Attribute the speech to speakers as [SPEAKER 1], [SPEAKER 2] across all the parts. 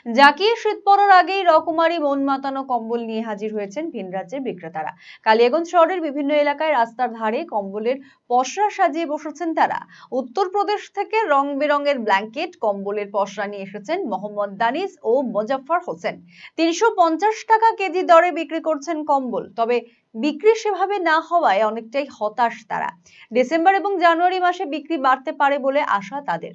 [SPEAKER 1] জাকিয়ে শীত পড়ার আগেই রকমারি মন মাতানো কম্বল নিয়ে হাজির হয়েছেন ভিন রাজ্যের বিক্রেতারা। কালিয়াগঞ্জ শহরের বিভিন্ন এলাকায় রাস্তার ধারে কম্বলের পসরা সাজিয়ে বসেছেন তারা। উত্তরপ্রদেশ থেকে রং বেরঙের ব্ল্যাঙ্কেট, কম্বলের পসরা নিয়ে এসেছেন মোহাম্মদ দানিশ ও মোজাফফর হোসেন। ৩৫০ টাকা কেজি দরে বিক্রি করছেন কম্বল। তবে বিক্রি সেভাবে না হওয়ায় অনেকটাই হতাশ তারা। ডিসেম্বর এবং জানুয়ারি মাসে বিক্রি বাড়তে পারে বলে আশা তাদের।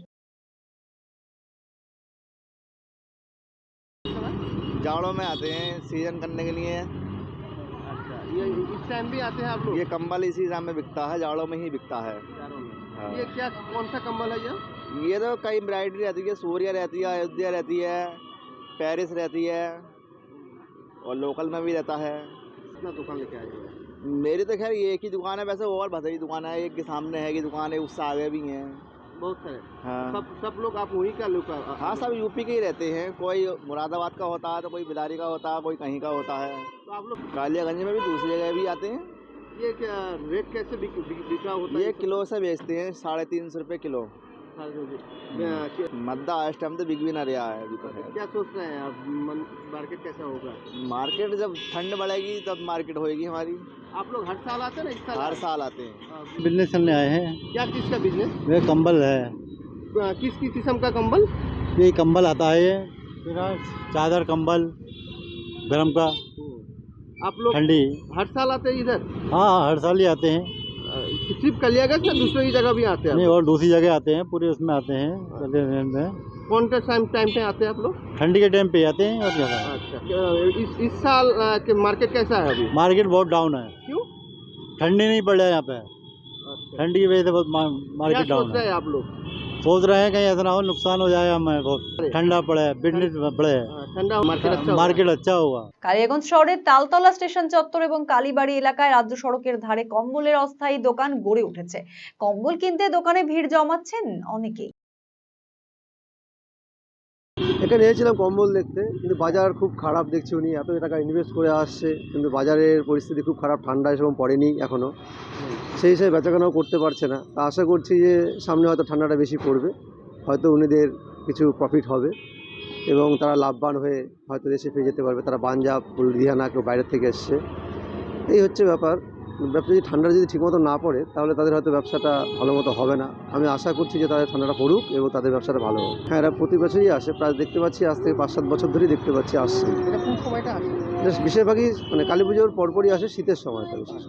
[SPEAKER 2] जाड़ों में आते हैं सीजन करने के लिए।
[SPEAKER 3] अच्छा, ये इस टाइम भी आते हैं आप लोग?
[SPEAKER 2] ये कंबल इसी टाइम में बिकता है, जाड़ों में ही बिकता है।
[SPEAKER 3] जाड़ों में।
[SPEAKER 2] हाँ।
[SPEAKER 3] ये क्या, कौन सा कंबल है
[SPEAKER 2] ये तो कई वैरायटी रहती है, सूर्या रहती है, अयोध्या रहती है, पेरिस रहती है और लोकल में भी रहता है।
[SPEAKER 3] कितना दुकान लेके आए हैं?
[SPEAKER 2] मेरी तो खैर ये एक ही दुकान है, वैसे और बहुत सारी दुकान है। एक के सामने है की दुकान है, उससे आगे भी हैं
[SPEAKER 3] बहुत सारे।
[SPEAKER 2] हाँ।
[SPEAKER 3] सब लोग आप वहीं का लोग?
[SPEAKER 2] हाँ, सब यूपी के ही रहते हैं। कोई मुरादाबाद का होता है, तो कोई बिलारी का होता है, कोई कहीं का होता है।
[SPEAKER 3] तो आप लोग
[SPEAKER 2] कालियागंज में भी दूसरी जगह भी आते हैं।
[SPEAKER 3] ये क्या रेट कैसे बिका होता है?
[SPEAKER 2] ये किलो से बेचते हैं, 350 रुपये किलो। मद्दा इस टाइम तो बिक भी ना रहा है अभी तो है।
[SPEAKER 3] क्या सोच रहे हैं आप, मार्केट कैसा होगा?
[SPEAKER 2] मार्केट जब ठंड बढ़ेगी तब मार्केट होएगी हमारी।
[SPEAKER 3] आप लोग हर साल आते हैं ना? इस साल
[SPEAKER 2] हर साल आते हैं।
[SPEAKER 4] बिजनेस करने आए हैं।
[SPEAKER 3] क्या चीज़ का बिजनेस?
[SPEAKER 4] वे कंबल है,
[SPEAKER 3] किस किस्म का कंबल?
[SPEAKER 4] ये कंबल आता है, ये चादर कंबल गरम का,
[SPEAKER 3] आप लोग
[SPEAKER 4] ठंडी।
[SPEAKER 3] हर साल आते हैं इधर?
[SPEAKER 4] हाँ, हर साल ही आते हैं।
[SPEAKER 3] सिर्फ कलियागंज या दूसरी जगह भी आते हैं?
[SPEAKER 4] नहीं, और दूसरी जगह आते हैं, पूरे उसमें आते हैं। में
[SPEAKER 3] कौन सा टाइम पे आते हैं आप लोग?
[SPEAKER 4] ठंडी के टाइम पे आते हैं। और क्या
[SPEAKER 3] अच्छा, इस साल के मार्केट कैसा है अभी?
[SPEAKER 4] मार्केट बहुत डाउन है।
[SPEAKER 3] क्यों?
[SPEAKER 4] ठंडी नहीं पड़ रहा है यहाँ पे।
[SPEAKER 3] अच्छा,
[SPEAKER 4] ठंडी की वजह से बहुत
[SPEAKER 3] क्या
[SPEAKER 4] मार्केट डाउन
[SPEAKER 3] सोच रहे
[SPEAKER 4] है।
[SPEAKER 3] हैं आप लोग?
[SPEAKER 4] सोच रहे हैं कहीं ऐसा ना हो नुकसान हो जाए हमें, बहुत ठंडा पड़े, बिजनेस बढ़े,
[SPEAKER 3] ठंडा मार्केट
[SPEAKER 4] मार्केट अच्छा होगा।
[SPEAKER 1] কালিয়াগঞ্জ শহরের তালতলা স্টেশন চত্বর এবং কালীবাড়ি এলাকায় রাজ্য সড়কের ধারে কম্বলের অস্থায়ী দোকান গড়ে উঠেছে। কম্বল কিনতে দোকানে ভিড় জমাচ্ছেন অনেকেই।
[SPEAKER 5] এখানে এসেছিলাম কম্বল দেখতে, কিন্তু বাজার খুব খারাপ দেখছি। উনি এত টাকা ইনভেস্ট করে আসছে, কিন্তু বাজারের পরিস্থিতি খুব খারাপ, ঠান্ডা এসব পড়েনি এখনও, সেই হিসেবে বেচাকেনাও করতে পারছে না। তা আশা করছি যে সামনে হয়তো ঠান্ডাটা বেশি পড়বে, হয়তো উনিদের কিছু প্রফিট হবে এবং তারা লাভবান হয়ে হয়তো দেশে ফিরে যেতে পারবে। তারা পাঞ্জাব, লুধিয়ানা, কেউ বাইরের থেকে এসছে, এই হচ্ছে ব্যাপার। ব্যবসা যদি ঠান্ডা যদি ঠিকমতো না পড়ে তাহলে তাদের হয়তো ব্যবসাটা ভালো মতো হবে না। আমি আশা করছি যে তাদের ঠান্ডাটা পড়ুক এবং তাদের ব্যবসাটা ভালো হোক। হ্যাঁ, এরা প্রতি বছরই আসে, প্রায় দেখতে পাচ্ছি আজ থেকে 5-7 বছর ধরেই দেখতে পাচ্ছি আসছে।
[SPEAKER 3] এটা কোন সময়টা আসে?
[SPEAKER 5] বেশিরভাগই মানে কালী পুজোর পরপরই আসে, শীতের সময়টা বিশেষ।